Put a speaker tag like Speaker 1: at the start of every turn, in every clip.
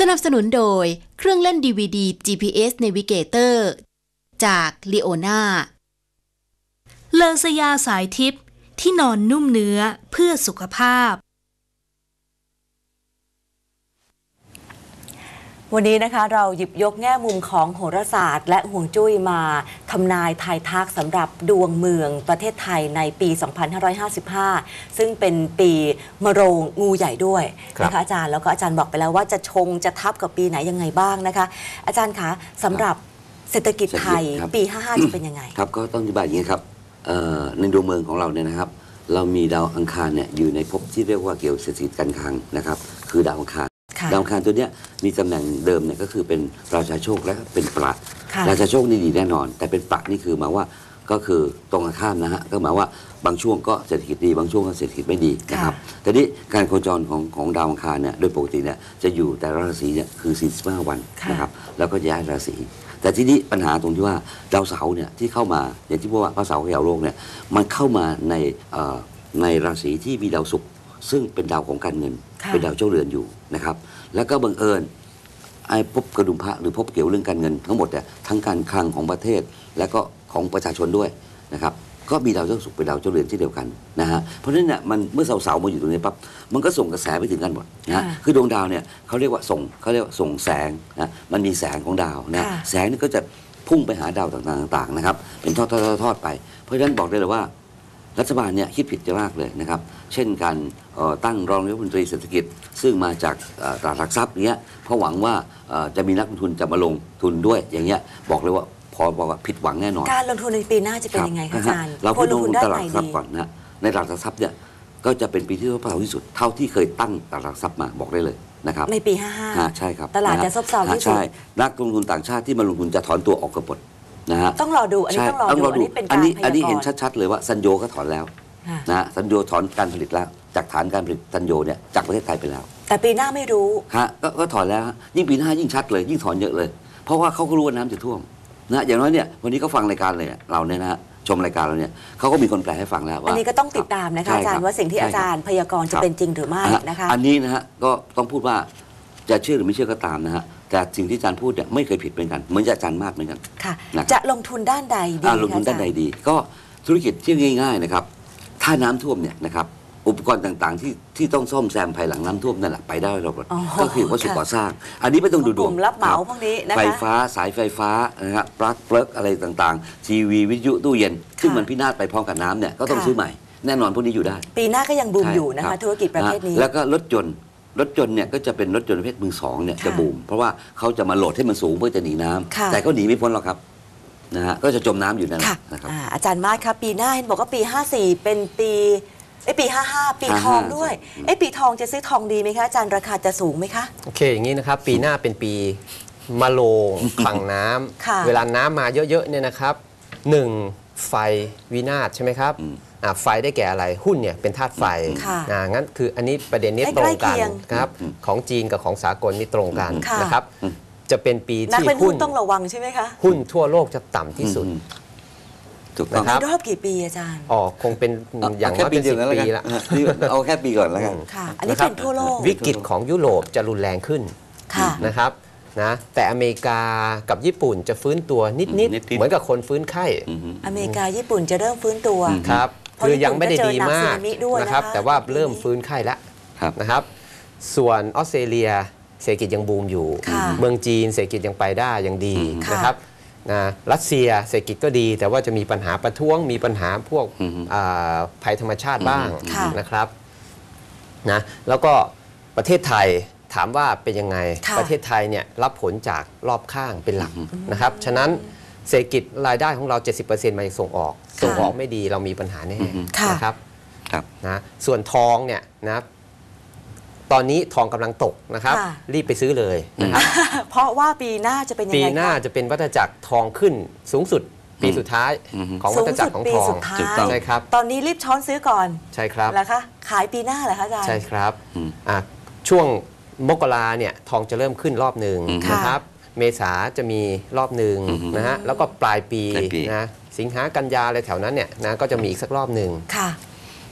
Speaker 1: นับสนุนโดยเครื่องเล่น DVD GPS Navigator จาก Leona
Speaker 2: เลอสยาสายทิพย์ที่นอนนุ่มเนื้อเพื่อสุขภาพ
Speaker 3: วันนี้นะคะเราหยิบยกแง่มุมของโหราศาสตร์และห่วงจุ้ยมาทำนายทายทักสำหรับดวงเมืองประเทศไทยในปี 2555 ซึ่งเป็นปีมะโรงงูใหญ่ด้วยนะคะอาจารย์แล้วก็อาจารย์บอกไปแล้วว่าจะชงจะทับกับปีไหนยังไงบ้างนะคะอาจารย์คะสำหรับเศรษฐกิจไทยปี 55 จะเป็นยังไง
Speaker 4: ครับก็ต้องอธิบายอย่างนี้ครับในดวงเมืองของเราเนี่ยนะครับเรามีดาวอังคารเนี่ยอยู่ในภพที่เรียกว่าเกี่ยวเศรษฐกิจการคลังนะครับคือดาวอังคารดาวอังคารตัวเนี้ยมีตำแหน่งเดิมเนี่ยก็คือเป็นราชาโชคและเป็นประราชาโชคนี่ดีแน่นอนแต่เป็นประนี่คือหมายว่าก็คือตรงกันข้ามนะฮะก็หมายว่าบางช่วงก็เศรษฐกิจดีบางช่วงก็เศรษฐกิจไม่ดีนะครับแต่นี้การโคจรของดาวอังคารเนี่ยโดยปกติเนี่ยจะอยู่แต่ราศีเนี่ยคือ45 วันนะครับแล้วก็ย้ายราศีแต่ที่นี้ปัญหาตรงที่ว่าดาวเสาร์เนี่ยที่เข้ามาอย่างที่พูดว่าพระเสาร์เขย่าโลกเนี่ยมันเข้ามาในราศีที่มีดาวศุกร์ซึ่งเป็นดาวของการเงินเป็นดาวเจ้าเรือนอยู่นะครับแล้วก็บังเอิญไอ้พบกระดุมพระหรือพบเกี่ยวเรื่องการเงินทั้งหมดเนี่ยทั้งการคลังของประเทศและก็ของประชาชนด้วยนะครับก็มีดาวเจ้าศุกร์เป็นดาวเจ้าเรือนที่เดียวกันนะฮะเพราะฉะนั้นเนี่ยมันเมื่อเสามาอยู่ตรงนี้ปั๊บมันก็ส่งกระแสไปถึงกันหมดนะคือดวงดาวเนี่ยเขาเรียกว่าส่งแสงนะมันมีแสงของดาวนะแสงนี่ก็จะพุ่งไปหาดาวต่างๆนะครับเป็นทอดไปเพราะฉะนั้นบอกได้เลยว่ารัฐบาลเนี่ยคิดผิดจะมากเลยนะครับเช่นการตั้งรองนายกรัฐมนตรีเศรษฐกิจซึ่งมาจากตลาดหลักทรัพย์เนี้ยเพราะหวังว่าจะมีนักลงทุนจะมาลงทุนด้วยอย่างเงี้ยบอกเลยว่าพอบอกว่าผิดหวังแน่นอน
Speaker 3: การลงทุนในปีหน้าจะเป็นยังไงคะอาจารย์
Speaker 4: เราพูดลงทุนตลาดหลักทรัพย์ก่อนนะในตลาดหลักทรัพย์เนี่ยก็จะเป็นปีที่ซบเซาที่สุดเท่าที่เคยตั้งตลาดหลักทรัพย์มาบอกได้เลยนะครับ
Speaker 3: ในปี 55
Speaker 4: ใช่ครับ
Speaker 3: ตลาดจะซบเซาที่สุด
Speaker 4: นักลงทุนต่างชาติที่มาลงทุนจะถอนตัวออกกระปดนะฮะ
Speaker 3: ต้องรอดูอันนี้ต้องรอดูอันนี้เป็นการพยากรณ์
Speaker 4: อันนี้เห็นชัดๆเลยว่าซันโยก็ถอนแล้วนะซันโยถอนการผลิตแล้วจากฐานการผลิตซันโยเนี่ยจากประเทศไทยไปแล้ว
Speaker 3: แต่ปีหน้าไม่รู้
Speaker 4: ฮะก็ถอนแล้วยิ่งปีหน้ายิ่งชัดเลยยิ่งถอนเยอะเลยเพราะว่าเขาก็รู้ว่าน้ำจะท่วมนะอย่างน้อยเนี่ยวันนี้ก็ฟังรายการเลยเราเนี่ยนะชมรายการเราเนี่ยเขาก็มีคนแปลให้ฟังแล้วว่า
Speaker 3: อันนี้ก็ต้องติดตามนะคะอาจารย์ว่าสิ่งที่อาจารย์พยากรณ์จะเป็นจริงหรือไม่นะคะ
Speaker 4: อันนี้นะฮะก็ต้องพูดว่าจะเชื่อหรือไม่เชื่อก็ตามนะฮะแต่สิ่งที่อาจารย์พูดเนี่ยไม่เคยผิดเหมือนกันเหมือนอาจารย์มาดเหมือนกัน
Speaker 3: ค่ะจะลงทุนด้านใดดี
Speaker 4: ลงทุนด้านใดดีก็ธุรกิจที่ง่ายๆนะครับถ้าน้ำท่วมเนี่ยนะครับอุปกรณ์ต่างๆที่ต้องซ่อมแซมภายหลังน้ำท่วมนั่นแหละไปได้เราก็คือวัสดุก่อสร้างอันนี้ไม่ต้องดูดวง
Speaker 3: รับเหมาพวกนี้นะคะ
Speaker 4: ไฟฟ้าสายไฟฟ้านะครับปลั๊กอะไรต่างๆทีวีวิทยุตู้เย็นซึ่งมันพินาศไปพร้อมกับน้ำเนี่ยก็ต้องซื้อใหม่แน่นอนพวกนี้อยู่ได้
Speaker 3: ปีหน้าก็ยังบูมอยู่นะคะธุรกิจประเภทนี้
Speaker 4: แล้วก็รถยนต์เนี่ยก็จะเป็นรถยนต์ประเภทมือสองเนี่ยจะบูมเพราะว่าเขาจะมาโหลดให้มันสูงเพื่อจะหนีน้ำแต่ก็หนีไม่พ้นหรอกครับนะฮะก็จะจมน้ำอยู่นั่นนะครับ
Speaker 3: อาจารย์มาดครับปีหน้าเห็นบอกว่าปี 54เป็นปีปี 55ปีทองด้วยปีทองจะซื้อทองดีไหมคะอาจารย์ราคาจะสูงไหมคะ
Speaker 5: โอเคอย่างนี้นะครับปีหน้าเป็นปีมะโรงขังน้ำเวลาน้ำมาเยอะๆเนี่ยนะครับ1ไฟวินาศใช่ไหมครับไฟได้แก่อะไรหุ้นเนี่ยเป็นธาตุไฟงั้นคืออันนี้ประเด็นนี้ตรงกันครับของจีนกับของสากลนี่ตรงกันนะครับจะเป็นปีที่
Speaker 3: หุ้นต้องระวังใช่ไหมคะ
Speaker 5: หุ้นทั่วโลกจะต่ำที่สุด
Speaker 3: นะครับรอบกี่ปีอาจารย์
Speaker 5: คงเป็นอย่างน้อยเป็น10 ปีละ
Speaker 4: เอาแค่ปีก่อนแล้วกัน
Speaker 3: อันนี้เป็นทั่วโลก
Speaker 5: วิกฤตของยุโรปจะรุนแรงขึ้นนะครับนะแต่อเมริกากับญี่ปุ่นจะฟื้นตัวนิดๆเหมือนกับคนฟื้นไข้
Speaker 3: อเมริกาญี่ปุ่นจะเริ่มฟื้นตัว
Speaker 5: ครับคือยังไม่ได้ดีมากนะครับแต่ว่าเริ่มฟื้นไข้แล้วนะครับส่วนออสเตรเลียเศรษฐกิจยังบูมอยู่เมืองจีนเศรษฐกิจยังไปได้ยังดีนะครับรัสเซียเศรษฐกิจก็ดีแต่ว่าจะมีปัญหาประท้วงมีปัญหาพวกภัยธรรมชาติบ้างนะครับนะแล้วก็ประเทศไทยถามว่าเป็นยังไงประเทศไทยเนี่ยรับผลจากรอบข้างเป็นหลักนะครับฉะนั้นเศรษฐกิจรายได้ของเรา 70% มาจากส่งออกไม่ดีเรามีปัญหาแน่นะครับนะส่วนทองเนี่ยนะตอนนี้ทองกำลังตกนะครับรีบไปซื้อเลยนะครับ
Speaker 3: เพราะว่าปีหน้าจะเป็นยังไง
Speaker 5: ปีหน้าจะเป็นวัฏจักรทองขึ้นสูงสุดปีสุดท้ายของวัฏจักรของทองใช่ครับ
Speaker 3: ตอนนี้รีบช้อนซื้อก่อน
Speaker 5: ใช่ครับ
Speaker 3: แล้วคะขายปีหน้าเหรอคะอาจารย์
Speaker 5: ใช่ครับช่วงมกราเนี่ยทองจะเริ่มขึ้นรอบหนึ่งนะครับเมษาจะมีรอบหนึ่งนะฮะแล้วก็ปลายปีนะสิงหากันยาอะไรแถวนั้นเนี่ยนะก็จะมีอีกสักรอบหนึ่ง
Speaker 3: ค่ะ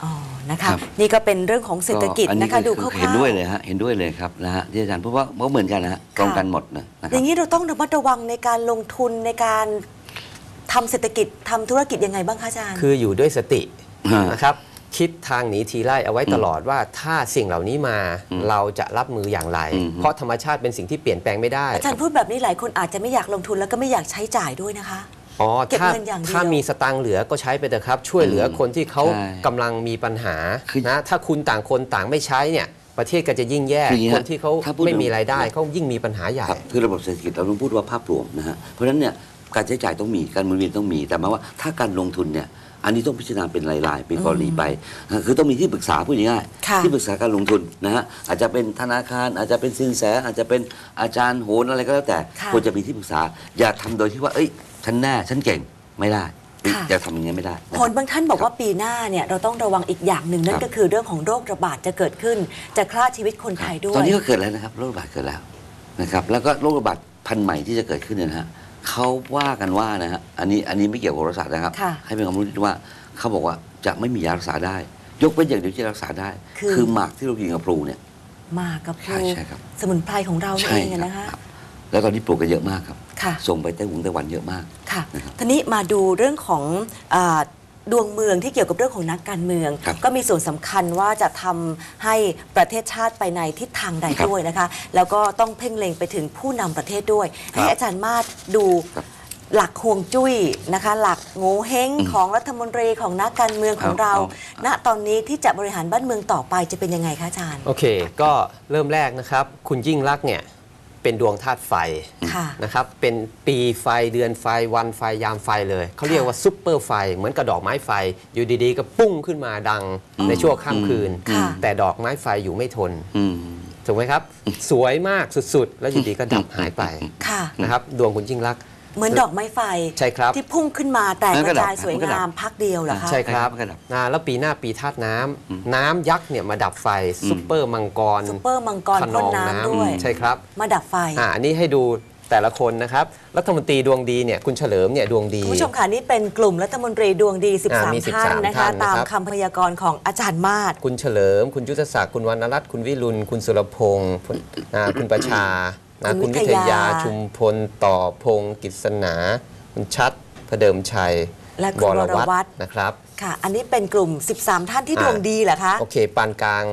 Speaker 3: นะคะนี่ก็เป็นเรื่องของเศรษฐกิจนะคะดูคร่าวๆ
Speaker 4: เห็นด้วยเลยฮะเห็นด้วยเลยครับนะฮะที่อาจารย์เพราะว่าเหมือนกันนะฮะตรงกันหมดนะครับ
Speaker 3: อย่างนี้เราต้องระมัดระวังในการลงทุนในการทำเศรษฐกิจทำธุรกิจยังไงบ้างคะอาจารย์
Speaker 5: คืออยู่ด้วยสตินะครับคิดทางหนีทีไล่เอาไว้ตลอดว่าถ้าสิ่งเหล่านี้มาเราจะรับมืออย่างไรเพราะธรรมชาติเป็นสิ่งที่เปลี่ยนแปลงไม่ได้
Speaker 3: อาจารย์พูดแบบนี้หลายคนอาจจะไม่อยากลงทุนแล้วก็ไม่อยากใช้จ่ายด้วยนะคะ
Speaker 5: อ๋อถ้ามีสตางค์เหลือก็ใช้ไปเถอะครับช่วยเหลือคนที่เขากำลังมีปัญหานะถ้าคุณต่างคนต่างไม่ใช้เนี่ยประเทศก็จะยิ่งแย่คนที่เขาไม่มีรายได้เขายิ่งมีปัญหาใหญ่
Speaker 4: คือระบบเศรษฐกิจเราต้องพูดว่าภาพรวมนะฮะเพราะฉะนั้นเนี่ยการใช้จ่ายต้องมีการหมุนเวียนต้องมีแต่หมายว่าถ้าการลงทุนเนี่ยอันนี้ต้องพิจารณาเป็นรายๆเป็นกรณีไปคือต้องมีที่ปรึกษาพูดง่ายๆที่ปรึกษาการลงทุนนะฮะอาจจะเป็นธนาคารอาจจะเป็นสินแสอาจจะเป็นอาจารย์โหนอะไรก็แล้วแต่ควรจะมีที่ปรึกษาอย่าทำโดยที่ว่าเอ้ยฉันแน่ฉันเก่งไม่ได้อย่าทำอย่างนี้ไม่ได้
Speaker 3: คนบางท่านบอกว่าปีหน้าเนี่ยเราต้องระวังอีกอย่างหนึ่งนั่นก็คือเรื่องของโรคระบาดจะเกิดขึ้นจะฆ่าชีวิตคนไทยด้วย
Speaker 4: ตอนนี้ก็เกิดแล้วนะครับโรคระบาดเกิดแล้วนะครับแล้วก็โรคระบาดพันธุ์ใหม่ที่จะเกิดขึ้นเนี่ยนะฮะเขาว่ากันว่านะฮะอันนี้ไม่เกี่ยวกับโหราศาสตร์นะครับให้เป็นความรู้ที่ว่าเขาบอกว่าจะไม่มียารักษาได้ยกเว้นอย่างเดียวที่รักษาได้คือหมากที่เรากินกับพลูเนี่ย
Speaker 3: หมากกับพลูสมุนไพรของเราเองนะคะ
Speaker 4: แล้วตอนนี้ปลูกกันเยอะมากครับส่งไปไต้หวันเยอะมาก
Speaker 3: ค่ะทีนี้มาดูเรื่องของดวงเมืองที่เกี่ยวกับเรื่องของนักการเมืองก็มีส่วนสำคัญว่าจะทำให้ประเทศชาติไปในทิศทางใดด้วยนะคะแล้วก็ต้องเพ่งเล็งไปถึงผู้นำประเทศด้วยให้อาจารย์มาศดูหลักฮวงจุ้ยนะคะหลักโง่เฮงของรัฐมนตรีของนักการเมืองของเราณตอนนี้ที่จะบริหารบ้านเมืองต่อไปจะเป็นยังไงคะอาจารย์
Speaker 5: โอเคก็เริ่มแรกนะครับคุณยิ่งลักษณ์เนี่ยเป็นดวงธาตุไฟนะครับเป็นปีไฟเดือนไฟวันไฟยามไฟเลยเขาเรียกว่าซุปเปอร์ไฟเหมือนกับดอกไม้ไฟอยู่ดีๆก็ปุ้งขึ้นมาดังในชั่วข้ามคืนแต่ดอกไม้ไฟอยู่ไม่ทนถูกไหมครับสวยมากสุดๆแล้วอยู่ดีก็ดับหายไปนะครับดวงคุณยิ่งลักษณ์
Speaker 3: เหมือนดอกไม้ไฟ
Speaker 5: ใช่ครับ
Speaker 3: ที่พุ่งขึ้นมาแต่กระจายสวยงามพักเดียวเหรอคะ
Speaker 5: ใช่ครับแล้วปีหน้าปีธาตุน้ำยักษ์เนี่ยมาดับไฟซุปเปอร์มังกร
Speaker 3: พ่นน้ำด้วย
Speaker 5: ใช่ครับ
Speaker 3: มาดับไฟ
Speaker 5: อันนี้ให้ดูแต่ละคนนะครับรัฐมนตรีดวงดีเนี่ยคุณเฉลิมเนี่ยดวงดี
Speaker 3: ผู้ชมค่ะนี่เป็นกลุ่มรัฐมนตรีดวงดี13ท่านนะคะตามคำพยากรณ์ของอาจารย์มาศ
Speaker 5: คุณเฉลิมคุณยุทธศักดิ์คุณวรรณรัตน์คุณวิรุณคุณสุรพงศ์คุณประชาคุณวิทยาชุมพลต่อพงศ์กิษณาคุณชัดพเดิมชัย
Speaker 3: และคุณวรวัฒน์
Speaker 5: นะครับ
Speaker 3: ค่ะอันนี้เป็นกลุ่ม13ท่านที่ดวงดีเหรอคะ
Speaker 5: โอเคปานกลาง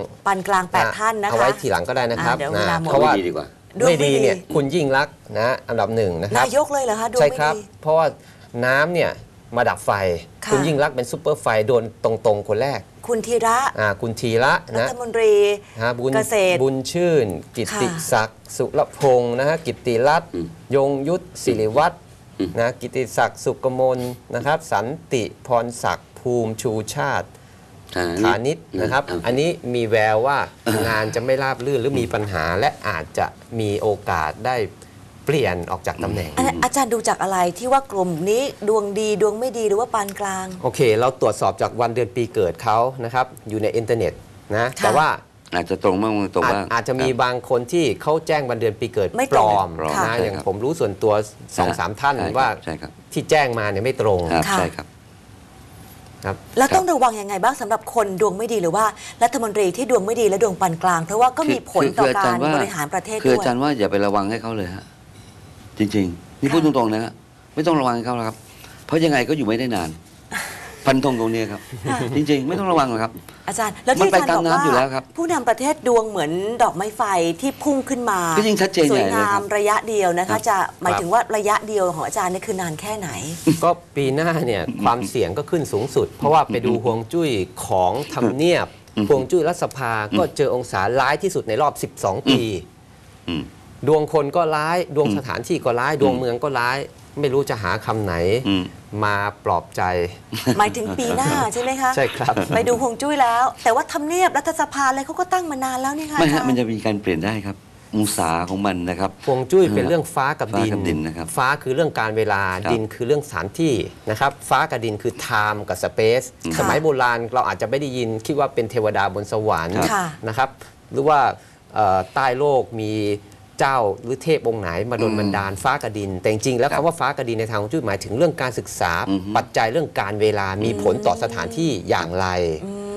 Speaker 3: 8ท่านนะคะ
Speaker 5: เอาไว้ทีหลังก็ได้นะครับเพราะว่า
Speaker 4: ดีกว่า
Speaker 5: ไม่ดีเนี่ยคุณยิ่งลักษณ์นะอันดับ1นะครับ
Speaker 3: นายกเลยเหรอคะ
Speaker 5: ใช่ครับเพราะว่าน้ำเนี่ยมาดับไฟคุณยิ่งลักษณ์เป็นซุปเปอร์ไฟโดนตรงๆคนแรก
Speaker 3: คุณธีระ
Speaker 5: คุณธีระ
Speaker 3: รัฐมนตรีเกษตร
Speaker 5: บุญชื่นกิตติศักดิ์สุรพงศ์นะฮะกิตติรัตน์ยงยุทธศิริวัฒน์นะกิตติศักดิ์สุกมลนะครับสันติพรศักดิ์ภูมิชูชาติฐานิชนะครับอันนี้มีแววว่างานจะไม่ราบรื่นหรือมีปัญหาและอาจจะมีโอกาสได้เปลี่ยนออกจากตำแหน่ง
Speaker 3: อาจารย์ดูจากอะไรที่ว่ากลุ่มนี้ดวงดีดวงไม่ดีหรือว่าปานกลาง
Speaker 5: โอเคเราตรวจสอบจากวันเดือนปีเกิดเขานะครับอยู่ในอินเทอร์เน็ตนะแต่ว่า
Speaker 4: อาจจะตรงบ้างตรงบ้าง
Speaker 5: อาจจะมีบางคนที่เขาแจ้งวันเดือนปีเกิดปลอมนะอย่างผมรู้ส่วนตัว 2-3 ท่านว่าที่แจ้งมาเนี่ยไม่ตรง
Speaker 4: ใช่ครับ
Speaker 3: แล้วต้องระวังยังไงบ้างสำหรับคนดวงไม่ดีหรือว่ารัฐมนตรีที่ดวงไม่ดีและดวงปานกลางเพราะว่าก็มีผลต่อการบริหารประเทศด้วย
Speaker 4: คืออาจารย์ว่าอย่าไประวังให้เขาเลยฮะจริงๆนี่พูดตรงๆนะฮะไม่ต้องระวังให้เขาแล้วครับเพราะยังไงก็อยู่ไม่ได้นานฟันธงตรงนี้ครับจริงๆไม่ต้องระวังหรอกครับ
Speaker 3: อาจารย์แล้วที่อาจารย์บอกว่าผู้นำประเทศดวงเหมือนดอกไม้ไฟที่พุ่งขึ้นมา
Speaker 4: ก็ยิ่งชัดเจน
Speaker 3: สวยงามระยะเดียวนะคะจะหมายถึงว่าระยะเดียวของอาจารย์นี่คือนานแค่ไหน
Speaker 5: ก็ปีหน้าเนี่ยความเสี่ยงก็ขึ้นสูงสุดเพราะว่าไปดูฮวงจุ้ยของทำเนียบฮวงจุ้ยรัฐสภาก็เจอองศาร้ายที่สุดในรอบ12 ปีดวงคนก็ร้ายดวงสถานที่ก็ร้ายดวงเมืองก็ร้ายไม่รู้จะหาคำไหนมาปลอบใจ
Speaker 3: หมายถึงปีหน้าใช่ไหมคะ
Speaker 5: ใช่ครับ
Speaker 3: ไปดูฮวงจุ้ยแล้วแต่ว่าทำเนียบรัฐสภาอะไรเขาก็ตั้งมานานแล้วนี่ค่ะ
Speaker 4: ไม่ฮะมันจะมีการเปลี่ยนได้ครับองศาของมันนะครับ
Speaker 5: ฮวงจุ้ยเป็นเรื่องฟ้ากับดิน
Speaker 4: นะครับ
Speaker 5: ฟ้าคือเรื่องการเวลาดินคือเรื่องสถานที่นะครับฟ้ากับดินคือ time กับ space สมัยโบราณเราอาจจะไม่ได้ยินคิดว่าเป็นเทวดาบนสวรรค์นะครับหรือว่าใต้โลกมีเจ้าหรือเทพองค์ไหนมาดลบันดาลฟ้ากับดินแต่จริงๆแล้วคำว่าฟ้ากับดินในทางฮวงจุ้ยหมายถึงเรื่องการศึกษาปัจจัยเรื่องการเวลามีผลต่อสถานที่อย่างไร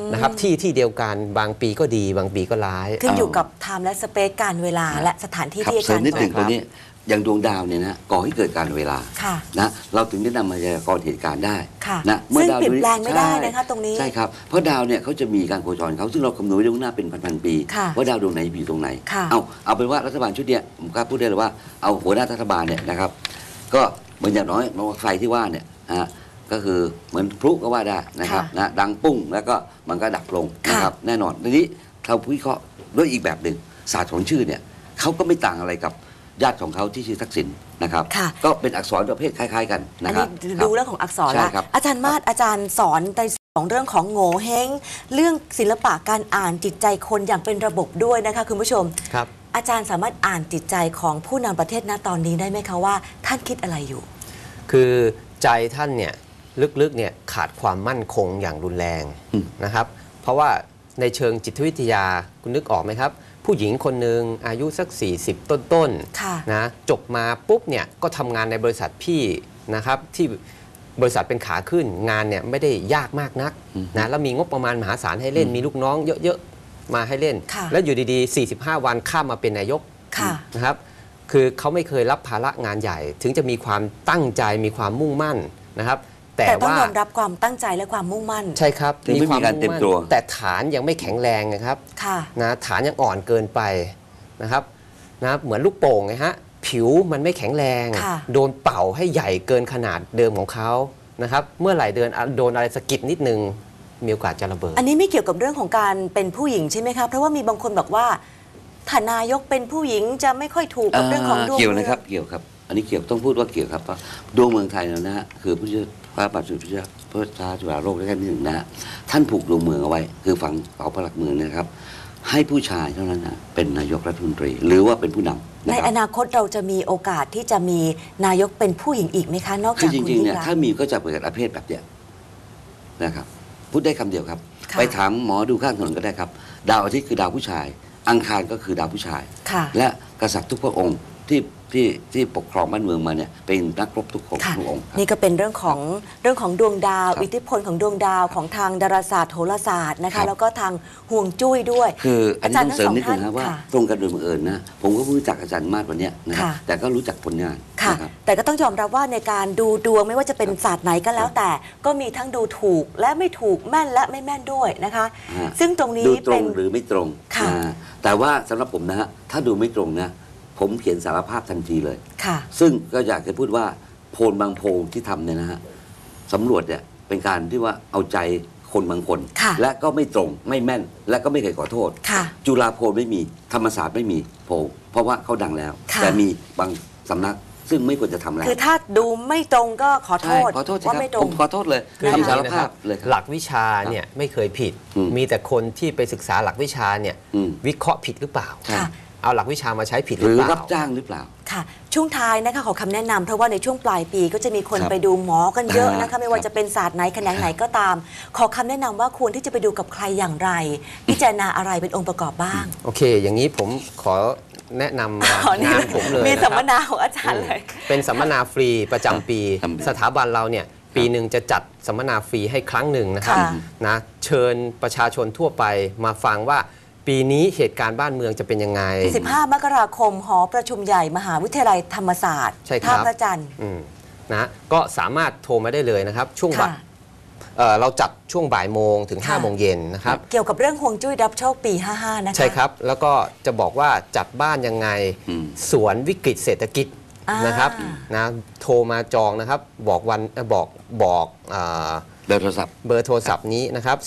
Speaker 5: นะครับที่เดียวกันบางปีก็ดีบางปีก็ร้าย
Speaker 3: ขึ้นอยู่กับไทม์และสเปซการเวลาและสถานที่ที่อาจารย์
Speaker 4: นิดหนึ่งตัวนี้อย่างดวงดาวเนี่ยนะก่อให้เกิดการเวลานะเราถึงได้นำมาพยากรณ์เหตุการณ์ได้นะ
Speaker 3: เมื่อดาวเปลี่ยนแปลงไม่ได้นะคะตรงนี้
Speaker 4: ใช่ครับเพราะดาวเนี่ยเขาจะมีการโคจรเขาซึ่งเราคำนวณไว้ล่วงหน้าเป็นพันๆปีว่าดาวดวงไหนอยู่ตรงไหนเอาเป็นว่ารัฐบาลชุดเนี้ยผมกล้าพูดได้เลยว่าเอาหัวหน้ารัฐบาลเนี่ยนะครับก็เหมือนอย่างน้อยไฟที่ว่าเนี่ยก็คือเหมือนพลุก็ว่าได้นะครับนะดังปุ้งแล้วก็มันก็ดับลงนะครับแน่นอนทีนี้เราวิเคราะห์ด้วยอีกแบบหนึ่งศาสตร์ของชื่อเนี่ยเขาก็ไม่ต่างอะไรกับญาติของเขาที่ชื่อทักษิณนะครับก็เป็นอักษรประเภทคล้ายๆกันนะครับ
Speaker 3: ดูเรื่องของอักษรแล้วอาจารย์มาศอาจารย์สอนในของเรื่องของโง่เฮงเรื่องศิลปะการอ่านจิตใจคนอย่างเป็นระบบด้วยนะคะคุณผู้ชม
Speaker 5: ครับ
Speaker 3: อาจารย์สามารถอ่านจิตใจของผู้นำประเทศณตอนนี้ได้ไหมคะว่าท่านคิดอะไรอยู่
Speaker 5: คือใจท่านเนี่ยลึกๆเนี่ยขาดความมั่นคงอย่างรุนแรงนะครับเพราะว่าในเชิงจิตวิทยาคุณนึกออกไหมครับผู้หญิงคนหนึ่งอายุสัก40ต้นๆนะจบมาปุ๊บเนี่ยก็ทำงานในบริษัทพี่นะครับที่บริษัทเป็นขาขึ้นงานเนี่ยไม่ได้ยากมากนักนะแล้วมีงบประมาณมหาศาลให้เล่นมีลูกน้องเยอะๆมาให้เล่นแล้วอยู่ดีๆ45วันข้ามมาเป็นนายกนะครับคือเขาไม่เคยรับภาระงานใหญ่ถึงจะมีความตั้งใจมีความมุ่งมั่นนะครับ
Speaker 3: แต่ต้องยอมรับความตั้งใจและความมุ่งมั่น
Speaker 5: ใช่ครับ
Speaker 4: มีความการเต็มตัว
Speaker 5: แต่ฐานยังไม่แข็งแรงนะครับนะฐานยังอ่อนเกินไปนะครับนะเหมือนลูกโป่งไงฮะผิวมันไม่แข็งแรงโดนเป่าให้ใหญ่เกินขนาดเดิมของเขานะครับเมื่อไหร่โดนอะไรสะกิดนิดนึงมีโอกาสจะระเบิด
Speaker 3: อันนี้ไม่เกี่ยวกับเรื่องของการเป็นผู้หญิงใช่ไหมครับเพราะว่ามีบางคนบอกว่าถ้านายกเป็นผู้หญิงจะไม่ค่อยถูกกับเรื่องของดวง
Speaker 4: เกี่ยวนะครับเกี่ยวครับอันนี้เกี่ยวต้องพูดว่าเกี่ยวครับดวงเมืองไทยนะฮะคือพระบาทสมเด็จพระเจ้าจุฬาโลกรัชกาลที่ 1นะฮะท่านผูกดวงเมืองเอาไว้คือฝังเอาพระหลักเมืองนะครับให้ผู้ชายเท่านั้นนะเป็นนายกรัฐมนตรีหรือว่าเป็นผู้นำ
Speaker 3: ในอนาคตเราจะมีโอกาสที่จะมีนายกเป็นผู้หญิงอีกไหมคะนอกจาก
Speaker 4: คุณยิ่งรักษณ์เนี่ยถ้ามีก็จะเปิดอาเพศแบบเนี้ยนะครับพูดได้คำเดียวครับไปถามหมอดูข้างถนนก็ได้ครับดาวอาทิตย์คือดาวผู้ชายอังคารก็คือดาวผู้ชายและกษัตริย์ทุกพระองค์ที่ปกครองบ้านเมืองมาเนี่ยเป็นนักรบทุกองค์
Speaker 3: นี่ก็เป็นเรื่องของดวงดาวอิทธิพลของดวงดาวของทางดาราศาสตร์โหราศาสตร์นะคะแล้วก็ทางห่วงจุ้ยด้วย
Speaker 4: คืออาจารย์ต้องเสริมนิดนึงนะว่าตรงกันโดยบังเอิญนะผมก็รู้จักอาจารย์มาศวันนี้นะแต่ก็รู้จักผลงาน
Speaker 3: แต่ก็ต้องยอมรับว่าในการดูดวงไม่ว่าจะเป็นศาสตร์ไหนก็แล้วแต่ก็มีทั้งดูถูกและไม่ถูกแม่นและไม่แม่นด้วยนะคะซึ่งตรงนี้
Speaker 4: ดูตรงหรือไม่ตรงแต่ว่าสำหรับผมนะฮะถ้าดูไม่ตรงนะผมเขียนสารภาพทันทีเลยซึ่งก็อยากจะพูดว่าโพลบางโพลที่ทำเนี่ยนะฮะสำรวจเนี่ยเป็นการที่ว่าเอาใจคนบางคนและก็ไม่ตรงไม่แม่นและก็ไม่เคยขอโทษจุฬาโพลไม่มีธรรมศาสตร์ไม่มีโพลเพราะว่าเขาดังแล้วแต่มีบางสำนักซึ่งไม่ควรจะทำแล้ว
Speaker 3: คือถ้าดูไม่ตรงก็ขอโทษ
Speaker 4: ว่าไม่ตรงผมขอโทษเลยทำสารภาพเลย
Speaker 5: หลักวิชาเนี่ยไม่เคยผิดมีแต่คนที่ไปศึกษาหลักวิชาเนี่ยวิเคราะห์ผิดหรือเปล่าเอาหลักวิชามาใช้ผิด
Speaker 4: หรือรับจ้างหรือเปล่า
Speaker 3: ค่ะช่วงท้ายนะคะขอคำแนะนำเพราะว่าในช่วงปลายปีก็จะมีคนไปดูหมอกันเยอะนะคะไม่ว่าจะเป็นศาสตร์ไหนแขนงไหนก็ตามขอคำแนะนำว่าควรที่จะไปดูกับใครอย่างไรพิจารณาอะไรเป็นองค์ประกอบบ้าง
Speaker 5: โอเคอย่างนี้ผมขอแนะนำงานผมเลย
Speaker 3: มีสัมมนาของอาจารย์เลย
Speaker 5: เป็นสัมมนาฟรีประจำปีสถาบันเราเนี่ยปีหนึ่งจะจัดสัมมนาฟรีให้ครั้งหนึ่งนะครับนะเชิญประชาชนทั่วไปมาฟังว่าปีนี้เหตุการณ์บ้านเมืองจะเป็นยังไง
Speaker 3: 15 มกราคมหอประชุมใหญ่มหาวิทยาลัยธรรมศาสตร์ท่าพระจันทร์
Speaker 5: นะก็สามารถโทรมาได้เลยนะครับช่วงบ่ายเราจัดช่วงบ่ายโมงถึง5 โมงเย็นนะครับ
Speaker 3: เกี่ยวกับเรื่องฮวงจุ้ยรับโชคปี55นะคะ
Speaker 5: ใช่ครับแล้วก็จะบอกว่าจัดบ้านยังไงสวนวิกฤตเศรษฐกิจนะครับนะโทรมาจองนะครับบอกวันบอก
Speaker 4: เบอร์โทร
Speaker 5: ศัพท์นี้นะครับ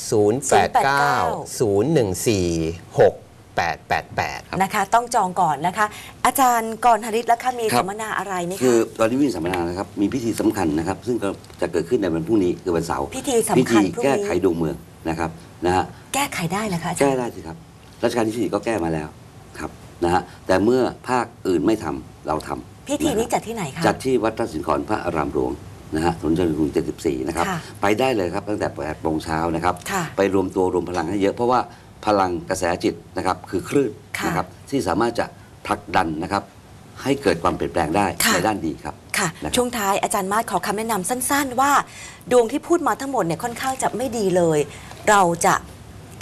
Speaker 5: 0890146888
Speaker 3: นะคะต้องจองก่อนนะคะอาจารย์กรหฤทธิ์และค่ะมีสัมมนาอะไรไหมคะ
Speaker 4: คือตอนนี้มีสัมมนานะครับมีพิธีสำคัญนะครับซึ่งก็จะเกิดขึ้นในวันพรุ่งนี้คือวันเสาร์
Speaker 3: พิธีสำคัญ
Speaker 4: แก้ไขดวงเมืองนะครับนะฮะ
Speaker 3: แก้ไขได้เหรอคะ
Speaker 4: แก้ได้สิครับรัชกาลที่4ก็แก้มาแล้วครับนะฮะแต่เมื่อภาคอื่นไม่ทำเราทำ
Speaker 3: พิธีนี้จัดที่ไหนคะ
Speaker 4: จัดที่วัดพระสิงห์ขอนพระอารามหลวงนะฮะถนนเจริญกรุง74นะครับไปได้เลยครับตั้งแต่8 โมงเช้านะครับไปรวมตัวรวมพลังให้เยอะเพราะว่าพลังกระแสจิตนะครับคือคลื่นนะครับที่สามารถจะผลักดันนะครับให้เกิดความเปลี่ยนแปลงได้ในด้านดีครับ
Speaker 3: ค่ะช่วงท้ายอาจารย์มาศขอคำแนะนำสั้นๆว่าดวงที่พูดมาทั้งหมดเนี่ยค่อนข้างจะไม่ดีเลยเราจะ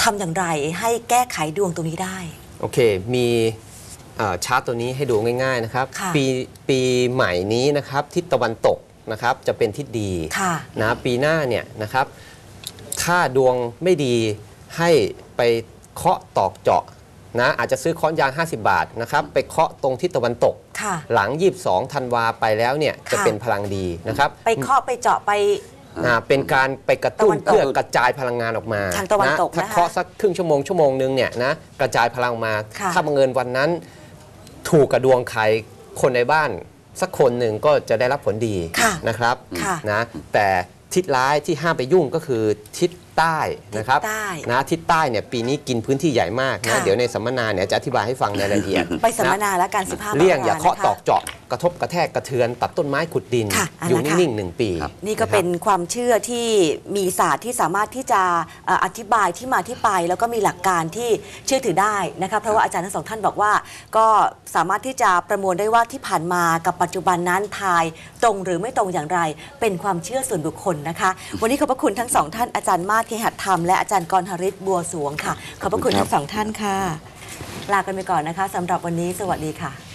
Speaker 3: ำอย่างไรให้แก้ไขดวงตรงนี้ได้
Speaker 5: โอเคมีชาร์ตตัวนี้ให้ดูง่ายๆนะครับปีใหม่นี้นะครับทิศตะวันตกนะครับจะเป็นทิศดีนะปีหน้าเนี่ยนะครับถ้าดวงไม่ดีให้ไปเคาะตอกเจาะนะอาจจะซื้อค้อนยาง50 บาทนะครับไปเคาะตรงทิศตะวันตกหลัง22 ธันวาไปแล้วเนี่ยจะเป็นพลังดีนะครับ
Speaker 3: ไปเคาะไปเจาะไป
Speaker 5: เป็นการไปกระตุ้นเพื่อกระจายพลังงานออกมา
Speaker 3: ทางตะวันตก
Speaker 5: ถ้าเคาะสักครึ่งชั่วโมงนึงเนี่ยนะกระจายพลังมาถ้าบังเอิญวันนั้นถูกกับดวงใครคนในบ้านสักคนหนึ่งก็จะได้รับผลดีนะครับนะแต่ทิศร้ายที่ห้ามไปยุ่งก็คือทิศใต้นะครับนะทิศใต้เนี่ยปีนี้กินพื้นที่ใหญ่มากนะเดี๋ยวในสัมมนาเนี่ยจะอธิบายให้ฟังในรายละเอียด
Speaker 3: ไปสัมมนาและการ15
Speaker 5: เลี่ยงอย่าเคาะตอกเจาะกระทบกระแทกกระเทือนตัดต้นไม้ขุดดินอยู่นิ่งๆ1 ปี
Speaker 3: นี่ก็เป็นความเชื่อที่มีศาสตร์ที่สามารถที่จะอธิบายที่มาที่ไปแล้วก็มีหลักการที่เชื่อถือได้นะคะเพราะว่าอาจารย์ทั้ง2 ท่านบอกว่าก็สามารถที่จะประมวลได้ว่าที่ผ่านมากับปัจจุบันนั้นทายตรงหรือไม่ตรงอย่างไรเป็นความเชื่อส่วนบุคคลนะคะวันนี้ขอบพระคุณทั้ง2 ท่านอาจารย์มาศ เคหัตถธรรมและอาจารย์กรหฤทธิ์บัวสวงค่ะขอบพระคุณทั้ง2 ท่านค่ะลากันไปก่อนนะคะสำหรับวันนี้สวัสดีค่ะ